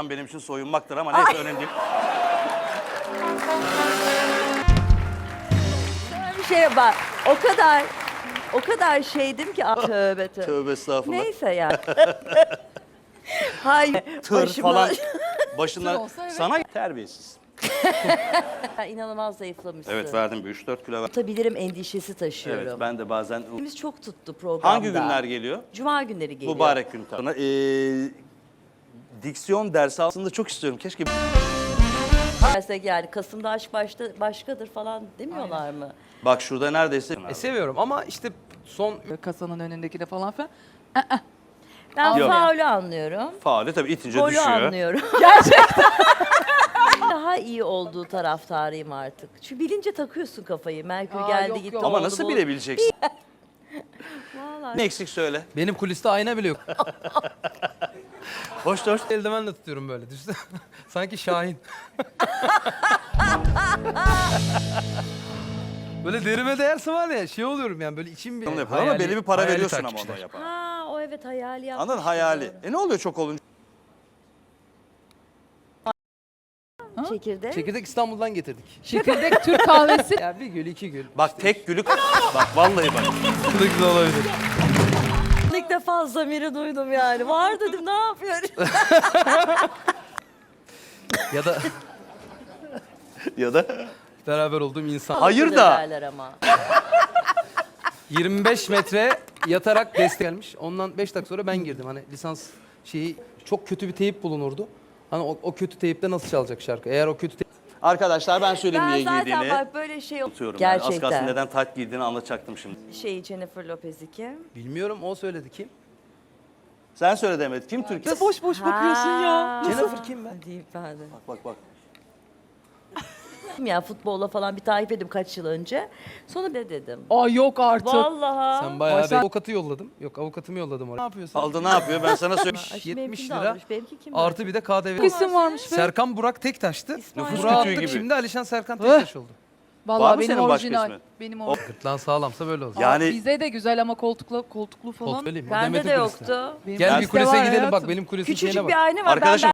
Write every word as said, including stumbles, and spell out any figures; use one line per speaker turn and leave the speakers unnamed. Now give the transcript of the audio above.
Soyunacağım benim için soyunmaktır ama neyse önemli değil.
Bir şeye bak. O kadar o kadar şeydim ki. Ah, tövbe tövbe.
Tövbe estağfurullah.
Neyse ya. Hayır.
Tır
başıma-
falan başından
olsa evet.
sana terbiyesiz.
İnanılmaz zayıflamışsın.
Evet verdim bir üç dört kilo ver.
Tutabilirim endişesi taşıyorum.
Evet ben de bazen
Biz çok tuttu programda.
hangi günler geliyor?
Cuma günleri geliyor.
Mübarek gün tabii. Ee, diksiyon dersi aslında çok istiyorum. Keşke
Dersek yani Kasım'da aşk başta, başkadır falan demiyorlar mı?
bak şurada neredeyse
E, seviyorum ama işte son
Kasanın önündekine falan filan.
Ben
Yok.
faulü anlıyorum.
faali tabii itince
Golü
düşüyor.
anlıyorum. Gerçekten. Daha iyi olduğu taraftarıyım artık. Çünkü bilince takıyorsun kafayı. Merkür
Aa,
geldi
yok,
gitti.
yok.
Ama
oldu,
nasıl
bu-
bilebileceksin?
Vallahi.
Ne eksik söyle.
benim kuliste ayna bile yok.
Hoş hoş.
Eldivenle tutuyorum böyle. Düşünsene. Sanki Şahin. Böyle derime değerse var ya şey oluyorum yani böyle içim bir
Onu yapar ama belli bir para
hayali
veriyorsun ama
takmışlar.
ona yapar.
Ha o evet hayali yapmış.
Anladın hayali. E ne oluyor çok olunca?
Çekirdek.
Çekirdek İstanbul'dan getirdik.
Çekirdek Türk kahvesi.
Ya bir gül iki gül.
Bak tek gülük. Bak vallahi bak.
Bu da güzel olabilir.
İlk defa zamiri duydum yani. Var dedim ne yapıyorum?
Ya da
Ya da
beraber olduğum insan.
Hayır
Öyle
da.
derler ama.
yirmi beş metre yatarak destek gelmiş. Ondan beş dakika sonra ben girdim. Hani lisans şeyi çok kötü bir teyip bulunurdu. Hani o, o kötü teyipte nasıl çalacak şarkı? Eğer o kötü teyip...
arkadaşlar ben söyleyeyim
Ben
niye
zaten
giydiğini.
bak böyle şey
Unutuyorum yani. Az kalsın
gerçekten.
neden tayt giydiğini anlatacaktım şimdi.
Şey Jennifer Lopez'i kim?
Bilmiyorum o söyledi kim?
Sen söyle Demet. Kim Türk?
Ne boş boş bakıyorsun ya.
Jennifer kim be?
Deyip ben de.
Bak bak.
Ya futbolla falan bir takip ettim kaç yıl önce. Sonra ne dedim?
Aa yok artık.
Vallahi.
Sen bayağı
Başak-
bir avukatı yolladım. Yok avukatımı yolladım oraya. Ne yapıyorsun?
Aldı ne yapıyor ben sana söyleyeyim.
Ay,
yetmiş
benimkini de
lira
almış, benimki kim?
Artı bir de K D V.
Çok isim varmış be.
Serkan Burak Tektaş'tı.
İsmail.
Nüfus
Burak'ı
kütüğü
attık
gibi.
şimdi Alişan Serkan Tektaş oldu.
Var
Vallahi
mı
benim
senin başka
orijinal.
ismin?
Benim
O
orijinal.
gırtlağın sağlamsa böyle olacak.
Yani
Bize de güzel ama koltuklu koltuklu falan.
Kol söyleyeyim. o
Bende
Demet'in
de
kulisine.
yoktu.
Benim
Gel bir
bizde
kulise
var
gidelim bak
hayatım.
benim kulisin şeyine
Küçücük
bak.
bir ayna var.
arkadaşım